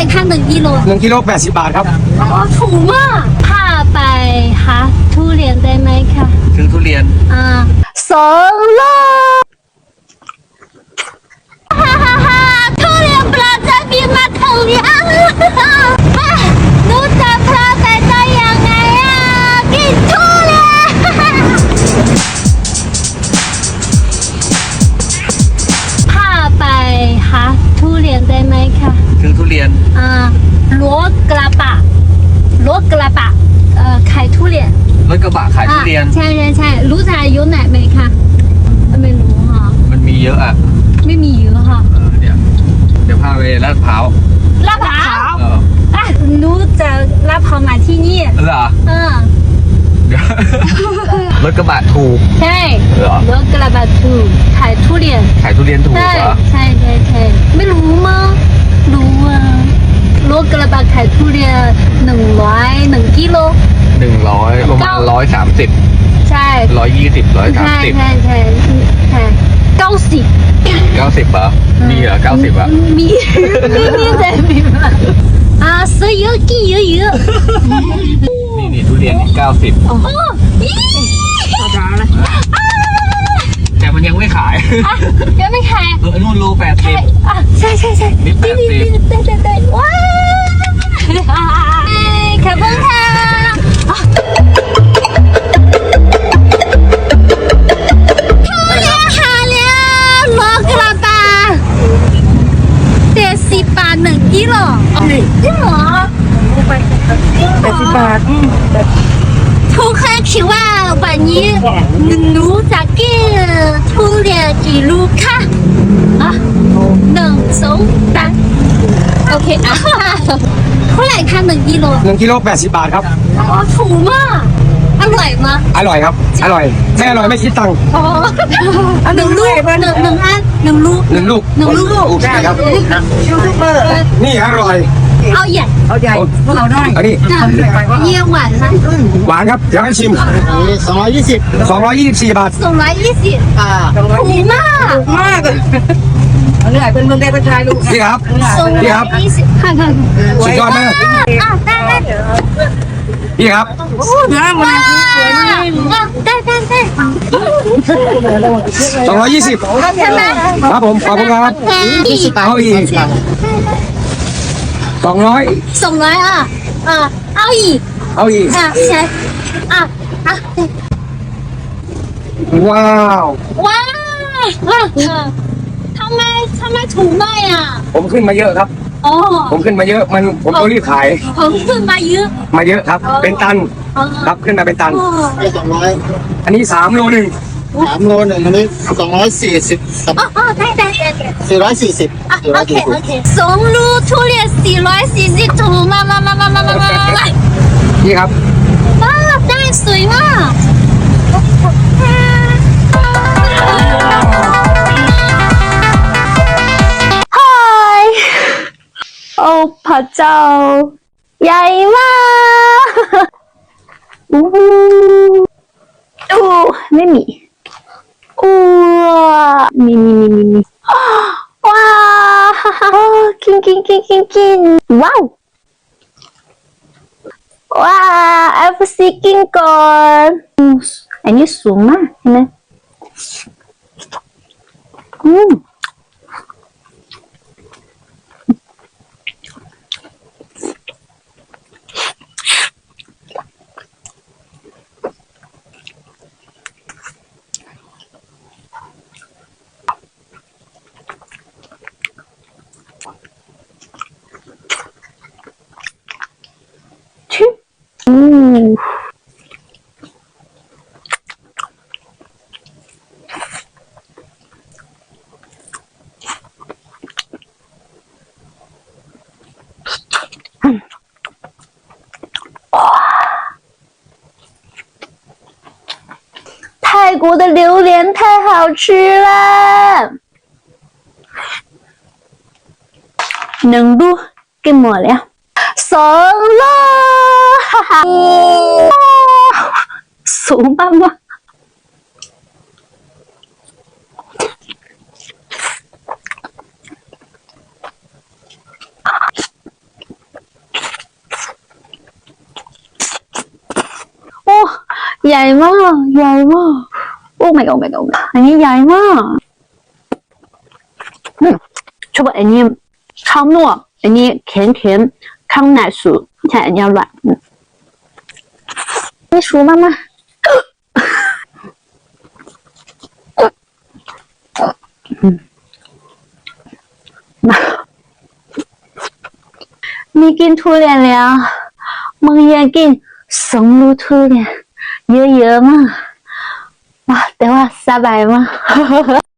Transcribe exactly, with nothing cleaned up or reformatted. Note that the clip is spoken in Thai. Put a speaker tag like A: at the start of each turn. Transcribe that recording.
A: คะหนึ่งกิโล
B: หนึ่งกิโลแปดสิบบาทครับ
A: อ๋อถูกมากพาไปหาทุเรียนได้ไหมคะ
C: ซื้อทุเรียน
A: อ่าสองโลฮ่าฮ่าฮ่าทุเรียนปลาจะบินมาถึงยังหนูจะพลาดได้ยังไงอ่ะกินทุเรียนพาไปหาทุเรียนได้ไหมคะ
C: ซื้อทุเรียน
A: อ่ารถกระบะรถกระบะเอ่อขายทุเรียน
C: รถกระบะขายทุเรียน
A: ใช่ใช่ใช่รู้จักอยู่ไหนไหมคะไม่รู้ค่ะ
C: มันมีเยอะอ่ะ
A: ไม่มีเยอะค่ะ
C: เออเดี๋ยวเดี๋ยวพาไปลาดพร้าว
A: ลาดพร้าว
C: เออ
A: อ่ะรู้จักลาดพร้าวมาที่นี่
C: เหรอ
A: เออ
C: เดี๋ยวรถกระบะถูก
A: ใช่
C: เหรอ
A: รถกระบะถูกขายทุเรียน
C: ขายทุเรียนถูกเหรอ
A: ใช่ใช่ใช่ไม่รู้มั้งรู้อ่ะรถกระบะขายทุเรียนหนึ่งร้อยหนึ่งกิโล
C: หนึ่งร้อยประมาณร้อยสามสิบ
A: ใช่
C: ร้อยยี่สิบร้อยสามสิบ
A: ใช่ใช่ใช่เก้าสิบ
C: เก้าสิบเหรอมีเหรอเก้าสิบอ่ะ
A: มีมีมีแต่มีมาอ่าซื้อเยอะกี่เยอะเยอะ
C: นี่นี่ทุเรียนเก้าสิบ
A: โอ้
C: แต่มันยังไม่ขาย
A: ยังไม่ขาย
C: เออนู่นโลแปดสิบ
A: อ่ะใช่ใช่ใช่
C: นี่แปดสิบ
A: เต้นเต้นเต้นว้าวขอบคุณค่ะหนึ่งกิโลจริงเหรอ
B: แปดสิบบาท
A: ทุกคนคิดว่าวันนี้หนูจะกินทุเรียนกี่ลูกคะอ่ะหนึ่งสองสามโอเคอ่ะเท่าไหร่คะหนึ่งกิโล
B: หนึ่งกิโลแปดสิบบาทครับ
A: อ๋อถูกมากอร่อยมาก
B: อร่อยครับอร่อยไม่อร่อยไม่คิดตังค์
A: อ๋อหนึ่งลูกหนึ่งหนึ่งอันหนึ่งลูก
B: หนึ่งลูก
A: หนึ่งลูก
B: โอเคครับ
A: ยูทูบเบอร์
B: นี่อร่อย
A: เอาใหญ่
B: เอาใหญ่เอาได้อันนี้
A: เยี่ยมหวานนะ
B: หวานครับเดี๋ยวให้ชิม
D: สองร้อยยี่สิบ
B: สองร้อยยี่สิบสี่บาท
A: สองร้อยยี่สิบอ่าถูกมาก
D: มากเลยเหนื่อยเป็นเมืองได้เป็นชายลูก
B: พี่ครับพี่ครับสุดยอดมากพี่ครับ
D: น้ำมันสวยมาก
A: ได้ได้ได้
B: สองร้อยยี่สิบครับผมขอบคุณครับเอาอีกสองร้อย
A: สองร้อยอ่ะอ่ะเอาอีก
B: เอาอีก
A: อ่ะใช่อ่ะอ่ะ
B: ว้าว
A: ว้าวทำไมทำไมถูกหน่อยอ่ะ
B: ผมขึ้นมาเยอะครับ
A: อ๋อ
B: ผมขึ้นมาเยอะมันผมต้องรีบขาย
A: ผมขึ้นมาเยอะ
B: มาเยอะครับเป็นตันครับขึ้นมาเป็นตัน
D: สองร้อย
B: อันนี้สามโลหนึ่ง
D: สามโลหนึ่งอันนี้สองร้อยสี่สิบ
A: อ๋อได้ได้ได้
D: สี่ร้อยสี่สิบ
A: โอเคโอเคสองลูกทุเรียนสี่ร้อยสี่สิบถูกมากมากมากมากมากมาก
B: นี่ครับ
A: ว้าวได้สวยมากโอ้พระเจ้าใหญ่มากอู้อู้ไม่มีอู้มีมีมีมีมีว้าวกินกินกินกินกินว้าวว้าวเอฟซีกินก่อนอันนี้สูงมากเห็นไหมอืม嗯，泰国的榴莲太好吃了，能录给我了，怂了，哈哈，怂妈妈。 ใหญ่มากใหญ่มากโอ้ my god โอ้ my god อันนี้ใหญ่มากอืมชอบอันนี้ข้างนอกอันนี้เค็มเค็มข้างในสุกใช่อันนี้อร่อยนี่熟吗妈มีกินทุเรียนแล้วมึงอยากกินสองลูกทุเรียนเยอะๆมากแต่ว่าสบายมาก